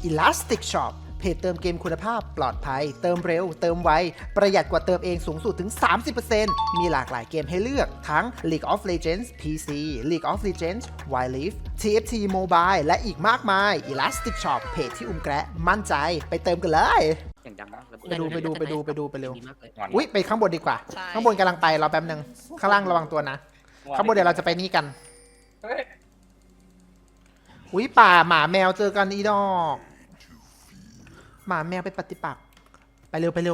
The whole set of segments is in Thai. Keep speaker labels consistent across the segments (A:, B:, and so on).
A: Elastic Shop เพจเติมเกมคุณภาพปลอดภัยเติมเร็วเติมไวประหยัดกว่าเติมเองสูงสุดถึง 30% มีหลากหลายเกมให้เลือกทั้ง League of Legends PC League of Legends Wild Rift TFT Mobile และอีกมากมาย Elastic Shop เพจที่แกะมั่นใจไปเติมกันเลย
B: อย่างดังนะ
A: ไปดูไปเร็ว
B: ดีมากเลย
A: อุ๊ยไปข้างบนดีกว่าข้างบนกำลังไปรอแป๊บนึงข้างล่างระวังตัวนะข้างบนเดี๋ยวเราจะไปนี่กันอุ๊ยป่าหมาแมวเจอกันอีดอกหมาแมวไปปฏิปักษ์ไปเร็วได้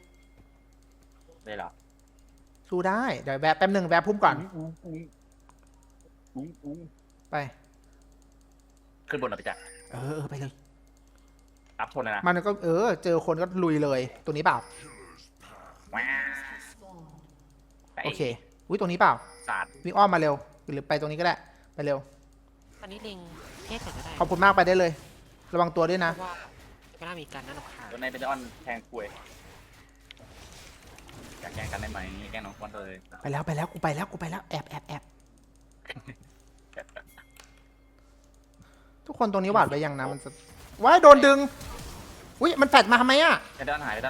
A: หรอสู้ได้เดี๋ยวแวะแป๊บนึงแวะพุ่มก่อนไป
C: ขึ้นบนหน่อยไปจ้ะ
A: ไปเลย
C: อัพทนนะ
A: มันก็เจอคนก็ลุยเลยตัวนี้เปล่าโอเคอุ๊ยตรงนี้เปล่า
C: ศาสตร์
A: วิ่งอ้อมมาเร็วหรือไปตรงนี้ก็ได้ไปเร็ว
B: ตอนนี้เล็งเทสก็ได้
A: ขอบคุณมากไปได้เลยระวังตัวด้วยนะ
B: ว่าก็น่ามีการนั่นหรอกค่ะ
C: ตัวในเป็นออนแทงคุยอยากแกล้งกันได้ไหมแกล้งน้องควันเลย
A: ไปแล้วกูไปแล้วแอบทุกคนตรงนี้หวาดไว้ยังนะมันจะว้ายโดนดึงอุ้ยมันแฟดมาทำไมอะ
C: ไปด้านหาย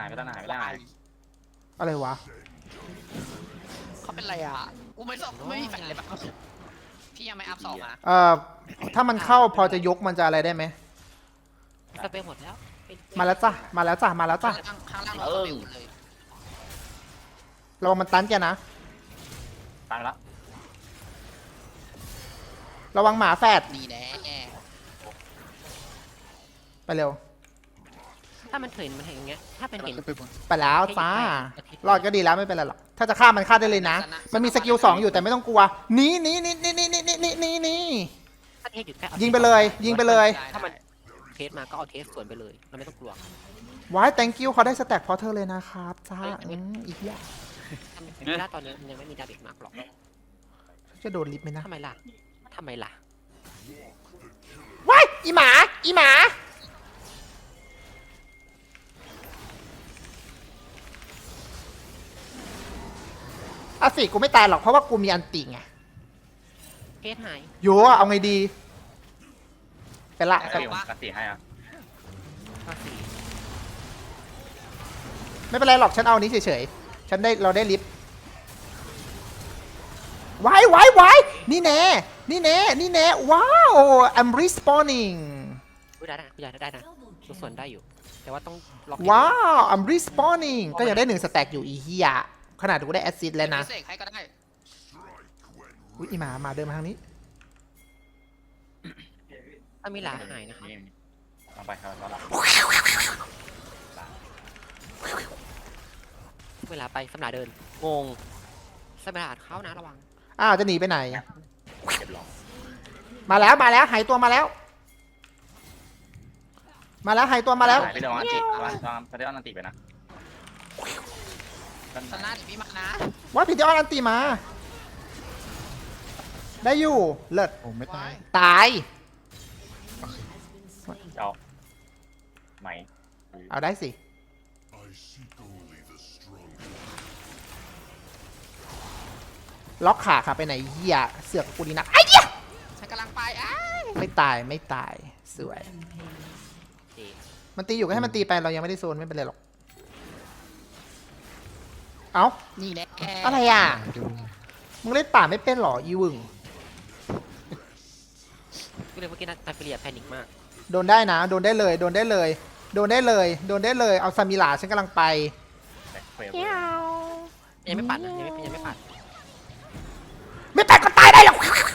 A: อะไรวะ
D: เขาเป็นไรอ่ะกูไม่มีแฟนเลยปะพี่ยังไม่อัพ2อ่ะ
A: ถ้ามันเข้าพอจะยกมันจะอะไรได้ไหม
B: สเปรย์หมดแล้ว
A: มาแล้วจ้ะข้างล่างเราสเปรย์หมดเลยระวังมันตันแกนะ
C: ตายแล้ว
A: ระวังหมาแฟด
D: ดีแน่
A: ไปเร็ว
B: ถ้ามันเห็นอย่างเงี้ยถ้าเป็นเห็น
A: ไปแล้วจ้ารอดก็ดีแล้วไม่เป็นไรหรอกถ้าจะฆ่ามันฆ่าได้เลยนะมันมีสกิล2อยู่แต่ไม่ต้องกลัวนี่ยิงไปเลย
B: ถ้ามันเทสมาก็เอาเทสสวนไปเลยเราไม่ต้องกลัว
A: ว้าย thank you เขาได้สแต็กเพราะเธอเลยนะครับจ้าอีกอย่าง
B: ไม่ได้ตอนนี้มันยังไม่มีดาเมจมากหรอก
A: จะโดนลิฟต์ไหมนะ
B: ทำไมล่ะ
A: ว้ายอีหมาสิกูไม่ตายหรอกเพราะว่ากูมีอันติไง
B: เทสหาย
A: โยเอาไงดีไปละ
C: กันตีให้อ่ะ
A: ไม่เป็นไรหรอกฉันเอานี้เฉยๆเราได้ลิฟต์ไว้นี่แน่ว้าว I'm respawning
B: ได้นะตัวส่วนได้อยู่แต่ว่าต้องล็อก
A: ว้าว I'm respawning ก็ยังได้1สแต็กอยู่อีเหี้ยขนาดกูได้แอสซิสต์แล้วนะอุ๊ยอีหมาเดินมาทางนี้
B: ถ้ามีหลาหายนะครับ
C: เอาไปครับ
B: เวลาไปสำหรับเดินงงสำหรับเข้านะระวัง
A: จะหนีไปไหนมาแล้วหายตัวมาแล้วหายตัวมาแล้ว
C: ไปเดี๋ยวอันติไปนะ
D: ตอนหน้าดิพี่มานะ
A: ว่าพี่เดี๋ยวอันติมาได้อยู่เลิศ
E: ผมไม่ตาย
C: เอาไหม
A: เอาได้สิล็อกขาค่ะไปไหนเหี้ยเสือกกูดีนักไอ้เหี้ย
D: ฉันกำลังไป
A: ไม่ตายสวยมันตีอยู่ก็ให้มันตีไปเรายังไม่ได้โซนไม่เป็นไรหรอกเอ้า
D: นี่แหละ
A: อะไรอ่ะมึงเล่นป่าไม่เป็นหรออีวึง
B: ก็เลยเมื่อกี้นาฟิเลียแพนิคมาก
A: โดนได้นะโดนได้เลยเอาซามิลาฉันกำลังไป
B: ยังไม่ปัดนะยังไม่ปัด
A: ก็ตายได้หรอก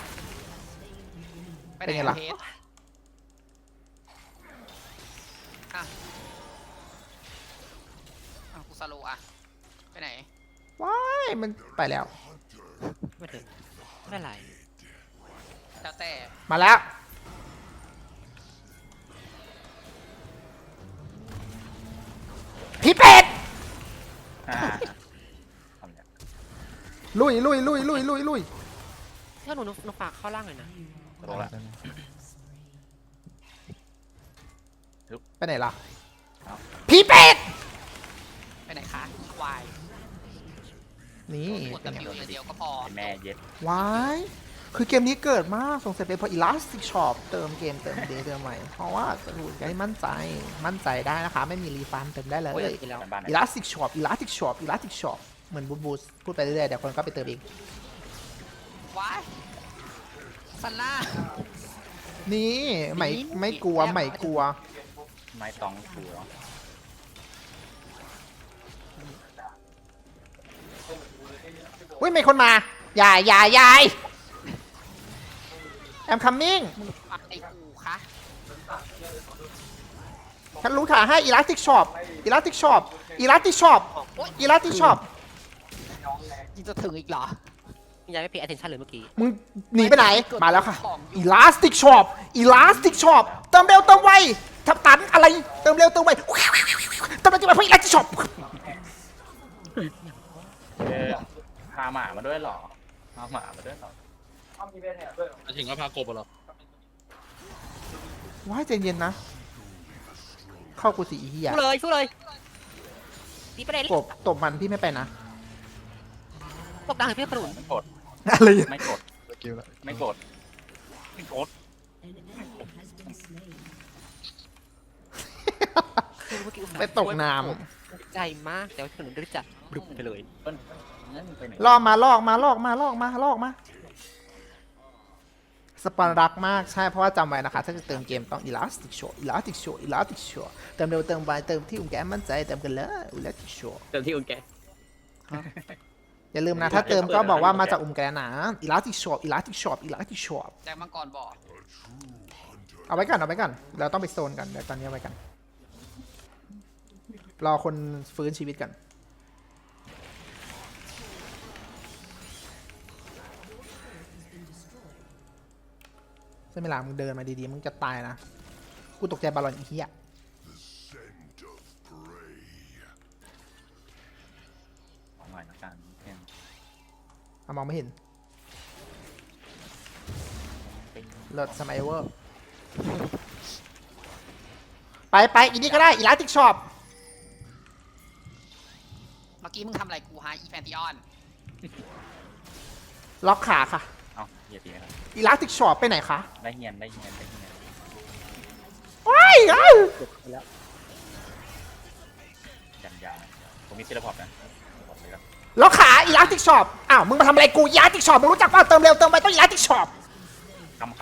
D: เป็นไงล่ะกูสโลอะไปไหน
A: ว้ายมันไปแล้ว
B: ไม่ถึงไม่ไร
D: แล้วแต่
A: มาแล้วพี่เป็ดลุย
B: ถ้าหนูฝากเข้าล่างเลยนะ
A: ไปไหนล่ะพี่เป็ด
D: ไปไหนคะวาย
A: นี่
D: กดWเดียวก็พอ
C: แม่เย็ด
A: วายคือเกมนี้เกิดมากสงสัยเป็นเพราะ Elastic Shop เติมเกมเติมเดย์เติมใหม่เพราะว่าจะรู้ให้มั่นใจได้นะคะ ไม่มีรีฟันเติมได้เลย
B: โอ้ยกินแล้ว
C: บ้านๆ
A: Elastic Shop Elastic Shop Elastic Shop เหมือนบูสพูดไปเรื่อยๆเดี๋ยวคนก็ไปเติมเอง
D: ว้ายซันล่า
A: นี่ไม่กลัวไม่กลัว
C: ไม้ตองหัว
A: อุ้ยมีคนมายายแอมคัมมิ่ง
D: มึงฟังไอ้กูคะ
A: ฉันรู้ขาให้ Elastic Shop Elastic Shop Elastic Shop Elastic Shop
D: ยังจะถึงอีกเหรอ
B: ยังไม่ pay attention เลยเมื่อกี้
A: มึงหนีไปไหน มาแล้วค่ะ Elastic Shop Elastic Shop เติมเร็วเติมไวทับตันอะไรเติมเร็วเติมไวเติมเร็วเติมไวเพื่อ Elastic Shop
C: พาหมามาด้วยเหรอพาหมามาด้วยเหรอ
E: ถึงก็พากบเหรอ
A: ว้ายใจเย็นนะ เข้ากูสิอีเหี้ย
B: สู้เลยตีประเด็น
A: กบตบมันพี่ไม่ไปนะ
B: ตบดังให้พี่ขนุน
C: ไม่กด
A: อะไร
C: ไม่กด
E: สกิลละ
C: ไม่กดไม่กด
B: คือเมื่อกี้อุตส่าห์
A: ไปตกน้
B: ใจมากแต่ว่าขนุนได้จัดบลุกไปเลย
C: เปิ้ลนั่นไปไหน
A: ำลอกมาสปอนรักมากใช่เพราะว่าจำไว้นะคะ ถ้าจะเติมเกมต้อง Elastic Shop Elastic Shop Elastic Shop เติมเร็วเติมไวเติมที่อุ้มแกมั่นใจเติมกันเลย Elastic Shop
E: เต็มที่อุ่นแก
A: อย่าลืมนะ ถ้าเติมก็บอกว่ามาจากอุ้มแกนะ Elastic Shop Elastic Shop Elastic Shop
D: แจ็คมังกรบอก
A: เอาไว้ก่อนเราต้องไปโซนกันเดี๋ยวตอนนี้เอาไว้กันรอคนฟื้นชีวิตกันใช่ไหมล่ะมึงเดินมาดีๆมึงจะตายนะกูตกใจบอลลอนอีเหี้ย
C: เอาหน่อยละกันเนี่ย
A: มองไม่เห็นเลิศสมัยเวอร์ไปอีนี่ก็ได้ Elastic Shop
D: เมื่อกี้มึงทำอะไรกูฮะอีแฟนติออน
A: ล็อกขาค่ะ
C: เอาเหยียดดีไหมครับ
A: Elastic Shop ไปไหนคะ
C: ได้เงียน
A: ว้ายเอ้ย
C: ยันผมมีเทเลพอร์ตนะบอกเลยครับ
A: ล็อกขา Elastic Shop อ้าวมึงมาทำอะไรกู Elastic Shop มึงรู้จักป่ะเติมเร็วเติมไปต้อง Elastic Shop
C: คำ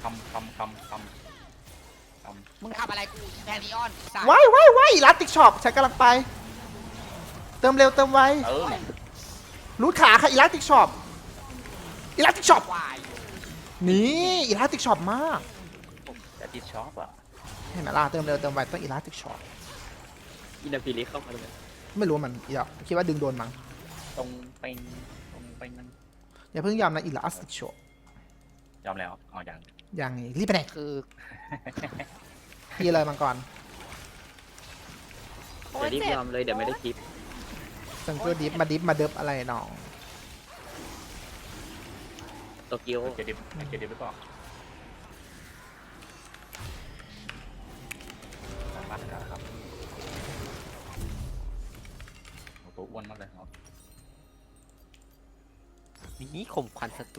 D: มึงทำอะไรกูอีแฟนติออนสัตว์
A: ว้าย Elastic Shop ฉันกำลังไป เติมเร็วเติมไวรูดขาค่ะ Elastic Shop Elastic Shop
D: วาย
A: นี่ Elastic Shop มาก
C: แต่ที่ชอบอ่ะ
A: เห็นไหมล่ะเติมเร็วเติมไวต้อง Elastic Shop
E: อินาฟิลิเข้ามาเลย
A: ไม่รู้ว่ามันอีกคิดว่าดึงโดนมั้ง
C: ตรงไปนั่น
A: อย่าเพิ่งยอมนะ Elastic Shop
C: ยอมแล้วเอาอย่าง
A: ยังไงรีบไปไหน
D: คือ
A: พี่เลยมังกร
E: เดี๋ยวรีบยอมเลยเดี๋ยวไม่ได้คลิป
A: ซังเกอร์ดิฟมาดิฟมาเดิฟอะไรน้อง
E: โตเกียว
C: เจดิบหรือเปล่ามาแล้วครับตัวอ้วนมากเลยครับ
B: นี่ข่มขวัญศัตรู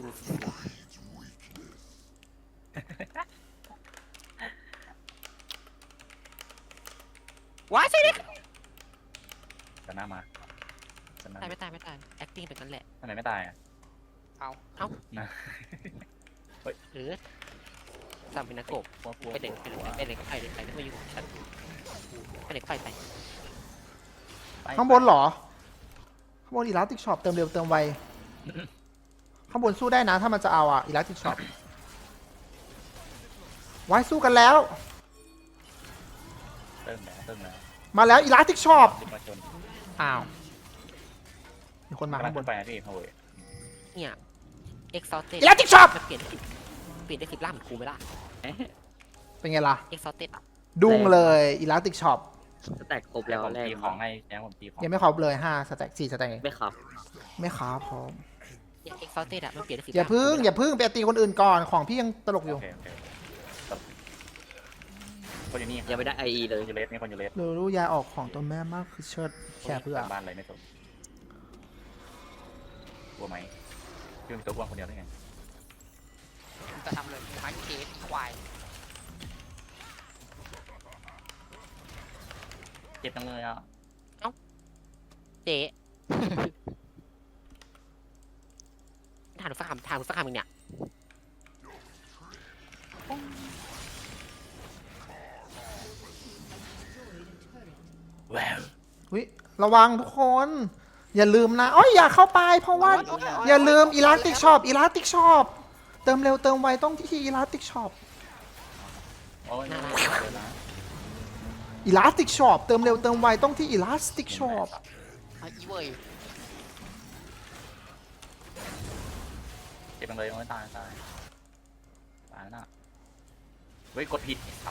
B: ว้ายใช่ดิ
C: จะหน้ามาจะหน้า
B: ตายไม่ตาย acting เป็นนั้นแหละ
C: ทำไมไม่ตายอ่ะ
D: เอา
C: นะ
B: จำเป็นนักกบไปเด็กไปไม่ยุ่งฉันไปเด็กไป
A: ข้างบนเหรอ ข้างบน Elastic Shop เติมเร็วเติมไว ข้างบนสู้ได้นะถ้ามันจะเอาอ่ะ Elastic Shop ไว้สู้กันแล้ว
C: เติมแล้ว
A: มาแล้ว Elastic Shop
C: รีบมาชน
A: อ้าวมีคนมา
C: ข้า
A: ข้าง ง
C: บบ น
A: น
C: ไปนะพี่พาวเวอร์
B: เนี่ย exhausted
A: Elastic Shop
B: จะเปลี่ยนได้10ล่าเหมือนกูไหมล่ะ
A: เป็นไงล่ะ
B: exhausted อ่ะ
A: ดุ้งเลย Elastic Shop
E: สแต็กครบแล้ว
C: ผม
E: แรก
C: ตีของให้แจ้งผมตีของ
A: ยังไม่ครบเลย5สแต็ก4สแต็ก
E: ไม่ครับ
A: ไม่ครับพร้อม
B: เนี่ย exhausted อ่ะมันเปลี่ยนได้10
A: อย่าพึ่งไปตีคนอื่นก่อนของพี่ยังตลกอยู่
C: โอเคคนอยู่นี่
E: ยังไม่ได้ไอเลย
C: คนอยู่เลสนี่คนอยู่เลส
A: รู้ยายออกของตัวแม่มากคือเชิดแค่เพื่อ
C: บ้านอะไรไม่สนกลัวไหมพี่เป็นตัวอ้วนคนเดียวได้ไง
D: มึงจะทำเลยพันเคสอีควาย
C: เจ็บจังเลยอ่ะ
B: เจ๊ถามหนูสักคำถามหนูสักคำมึงเนี่ย
C: แวว
A: อุ๊ยระวังทุกคน อย่าลืมนะอ้อยอย่าเข้าไปเพราะว่า อย่าลืมอีลาสติกช็อปอีลาสติกช็อปเติมเร็วเติมไวต้องที่อีลาสติกช็อป
C: โอ้ยนะ
A: อีลาสติกช็อปเติมเร็วเติมไวต้องที่อีลาสติกช็อป
D: อีเว้ย
C: เจ็บจังเลยโอ้ยตายตายน่ะเฮ้ยกดผิดครับ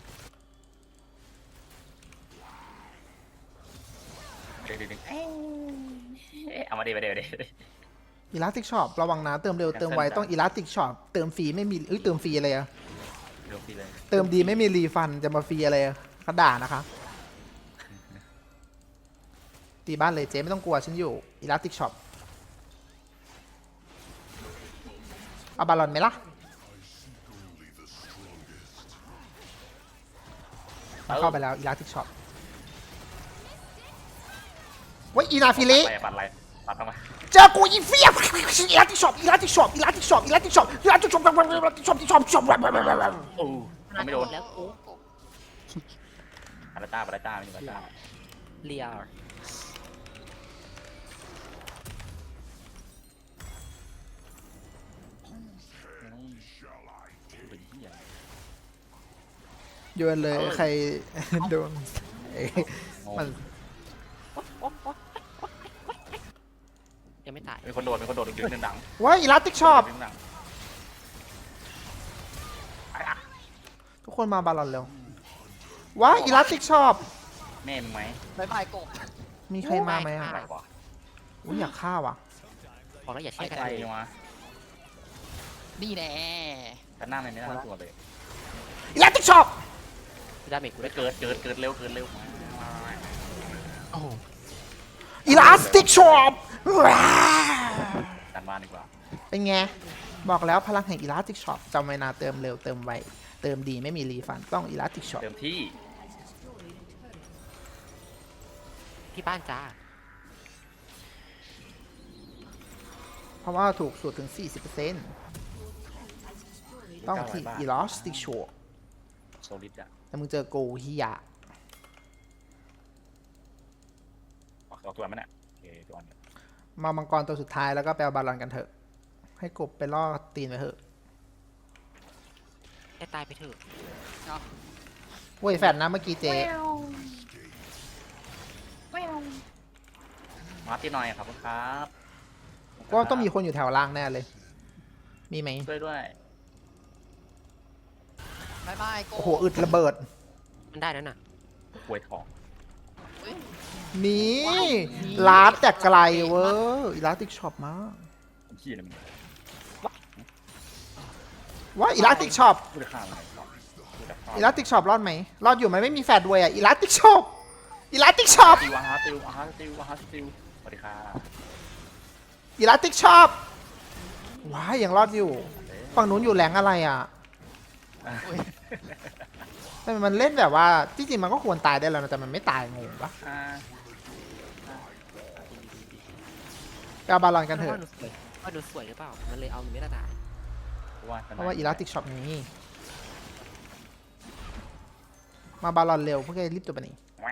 C: เดี๋ยวเอามาเดี๋ยว
A: อีลาสติกช็อประวังนะเติมเร็วเติมไวต้องอีลาสติกช็อปเติมฟรีไม่มีเติมฟรีอะไรอะ
C: เดี๋ยวพี่เลย
A: เติมดีไม่มีรีฟันจะมาฟรีอะไรอะเขาด่านะคะตีบ้านเลยเจ๊ไม่ต้องกลัวฉันอยู่อีลาสติกช็อปเอาบาลอนไหมล่ะเข้าไปแล้วอีลาสติกช็อปว้ยอีนาฟิลิ
C: ปัดอะไรปัดทำไม
A: เจอกูอีเฟียอีลาสติกช็อปอีลาสติกช็อปอีลาสติกช็อปอีลาสติกช็อปอีลาสติกช็อปอีลาสติกช็อปอีลาสติกช็อปช็อป
C: โอ้ไม่โดน
B: แล้วกู
C: ปาราต้าไม่มีปาราต้า
B: เลีย
C: เป็นที่ใหญ่
A: โยนเลยใครโดนมัน
B: ยังไม่ตาย
C: มีคนโดดดึงดัง
A: ว้ยอีลาสติกช็อป
C: ดึงดัง
A: ทุกคนมาบาลอนเร็วว้ายอีลาสติกช็อป
C: แม่มึงไหม
D: บายบายกบ
A: มีใครมาไหมอ่ะ
C: อะไรวะ
A: อุ้ยอยากฆ่าว่ะ
B: บอกแล้วอย่า
C: ใคร
B: เชื่อกัน
C: ใคร
B: เลย
C: วะ
D: นี่แน่
C: แต่หน้ามันไม่น่าตัวเลย
A: อีลาสติกช็อป
B: ดาเมจกู
C: ได้
B: ได้
C: เกิดเร็ว
B: โอ้โห
A: อีลาสติกช็อป
C: การบ้านดีกว่า
A: เป็นไง บอกแล้วพลังแห่งอีลาสติกช็อปจำไว้นะเติมเร็วเติมไวเติมดีไม่มีรีฟันต้องอีลาสติกช็อป
C: เติมที่
B: ที่บ้านจ้า
A: เพราะว่าถูกสุดถึง 40%ต้องที่อีลาสติกช็อป
C: โซลิดอ่ะ
A: แต่มึงเจอโกฮิยะ
C: ออกตัวมันอ่ะโอเคตัวนี้
A: มามังกรตัวสุดท้ายแล้วก็ไปเอาบาลอนกันเถอะ ให้กบไปล่อตีนไปเถอะ
B: ให้ตายไปเถอะ
A: เว้ยแฟดนะเมื่อกี้เจ๊
C: มาที่หน่อยครับครับ
A: ก็ต้องมีคนอยู่แถวล่างแน่เลย มีไหม
C: ด้วย
D: บายบายกบ
A: โอ้โหอึดระเบิด
B: มันได้นั่นน่ะ
C: กล้วยทอง
A: มีลาดแต่ไกลเว้ยอีลาสติกช็อปมาก
C: ขี้อะไรมึง
A: ว่าอีลาสติกช็อป
C: พูดข้าวอะไรต่อพูดแต่ข้าว
A: อีลาสติกช็อปรอดไหมรอดอยู่ไหมไม่มีแฟดด้วยอ่ะอีลาสติกช็อปอีลาสติกช็อป
C: ติวอาฮาติวสวัสดีค่ะ
A: อีลาสติกช็อปว้ายยังรอดอยู่ฝั่งนู้นอยู่แหลงอะไรอ่ะแต่มันเล่นแบบว่าจริงๆมันก็ควรตายได้แล้วนะแต่มันไม่ตายงงปะไปเอาบาลอนกันเถอะ
B: ว่าดูสวยหรือเปล่ามันเลยเอาหนูไม่ได้ตาย
A: เพราะว่าอีลาสติกช็อปนี้มาบาลอนเร็วพวกแกรีบตัวไปนี่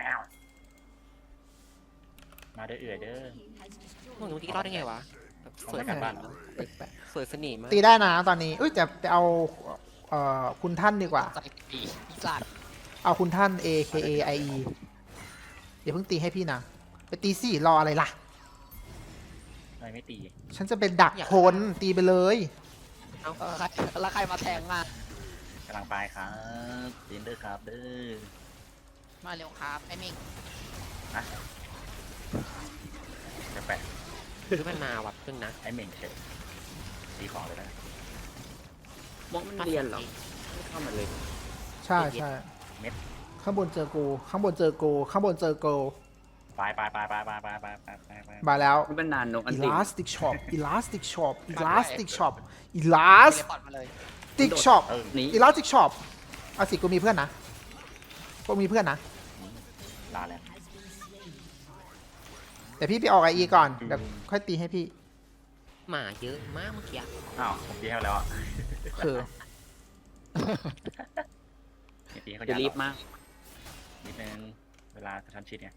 C: มาเด้อเอื่อยเด้อ
B: มึงรู้ที่รอดได้ไงวะแบบสวย
C: กันบ้าน
B: สวยสนิมมาก
A: ตีได้นะตอนนี้เอ้ยจะไปเอาคุณท่านดีกว่า
D: ใจปีอีสัตว์
A: เอาคุณท่าน AKAIE อย่าเพิ่งตีให้พี่นะ ไปตีสิรออะไรล่ะ
C: ทำไมไม่ตี
A: ฉันจะเป็นดักคนตีไปเลย
D: ใครแล้วใครมาแทงมาก
C: ำลังไปครับตีนเด้อครับเด้อ
D: มาเร็วครับไอ้มิง
C: จะแปะ
B: คือมันมาวัดพึ่งนะ
C: ไอ้เหม่งเฉยตีของเลยนะ
E: มองมันเรียนเหรอไม่เข้ามาเลย
A: ใช่ใช่ข้างบนเจอกูข้างบนเจอกูข้างบนเจอกู
C: ไปไปไปไปไปไปไปไปไป
A: มาแล้ว
E: มันเป็นนานนกอันติ
A: Elastic Shop Elastic Shop Elastic Shop
D: เทเล
A: Elastic
D: พอร์ตมาเลย
A: Shop
E: หนี
A: Elastic Shop เอาสิกูมีเพื่อนนะพวกมีเพื่อนนะ
C: ลาแล้ว
A: แต่พี่ไปออกไออีก่อนเดี๋ยวค่อยตีให้พี่
B: หมาเยอะมากเมื่อกี้
C: อ้าวผมตีให้แล้วอ่ะ
A: คือ
C: ตีเขา
E: จะรีบมาก
C: นิดนึงเวลากระชั้นชิดไง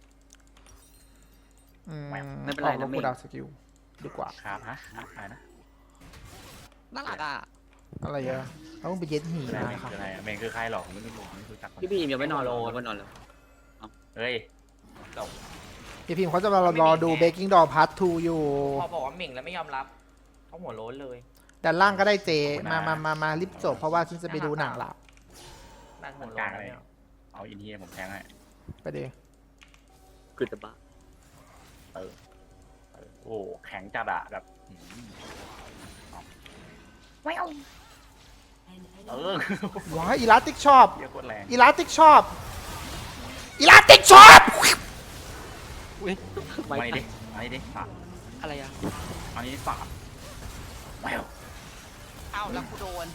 E: ไม่เป็นไร
A: ออกล
E: นะ
A: บ
E: เม
A: กู
E: ย์
A: ดาวสกิลดีกว่า
C: ครับฮะอะไรนะ
D: น่ารักอ่ะ
A: อะไรเยอะเขาต้องไปเย็ดหี
C: คืออะไร
A: มาครับ
C: คืออะไรเมงคือใครหรอกผมไม่รู้ไม่รู้จักคน
E: พี่บีมยังไม่นอนเลยยังไม่นอนเลย
C: เฮ้ย
A: พี่พิมพ์เขาจะมารอดู Baking Doll Part 2 อยู่
F: พอบอกว่าเหม่งแล้วไม่ยอมรับเขาหัวโล้นเลย
A: ด้านล่างก็ได้เจ มารีบจบเพราะว่าฉันจะไปดูหนังละ
F: นั่นหัว
C: ก
F: โล้
C: ลาน ง
F: แล้ว
C: เลย
F: เนี่ย
C: เอาอินเทียผมแทงให้
A: ไปดิ
E: คือจะบ้า
C: โอ้แข็งจัดอะแบบไม่เอา
A: ว้าย Elastic Shop
C: เยอะโคตรแรง
A: Elastic Shop Elastic Shop
C: มาดิมาดิฝาก
B: อะไรอ่ะ
C: อันนี้ฝากแมว
D: เอ้าแล้วกูโดน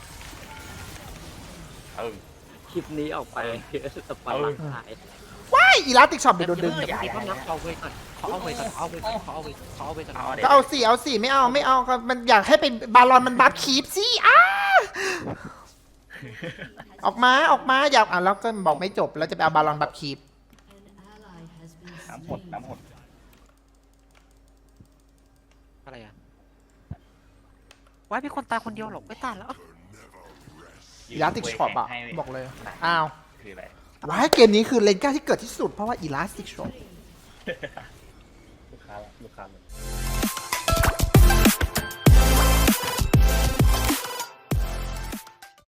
E: คลิปนี้ออกไปสปอยล์หาย
A: ว้าย Elastic Shop ไปโดนดึง
B: เดี๋ยวพี่เขานับเอาเว้ยก่อนเขาเอาเว้ยก่อนเขาเอาเว้ยก่อนเขาเอาเว้ยเขาเอาเว้ยก่อน
C: เอาเด็
A: ก็เอาสิเอาสิไม่เอาก็มันอยากให้เป็นบาลอนมันบัฟคีปสิออกมาอยากแล้วก็บอกไม่จบแล้วจะไปเอาบาลอนบัฟคีป
C: น้ำหดน้ำหด
B: อะไรอ่ะว้ายมีคนตายคนเดียวหรอกไม่ตายแล้ว
A: Elastic Shop อ่ะบอกเลยอ้าว
C: คืออะไร
A: ว้ายเกมนี้คือเลนก้าที่เกิดที่สุดเพราะว่า Elastic Shop
C: ลูกค้าเลย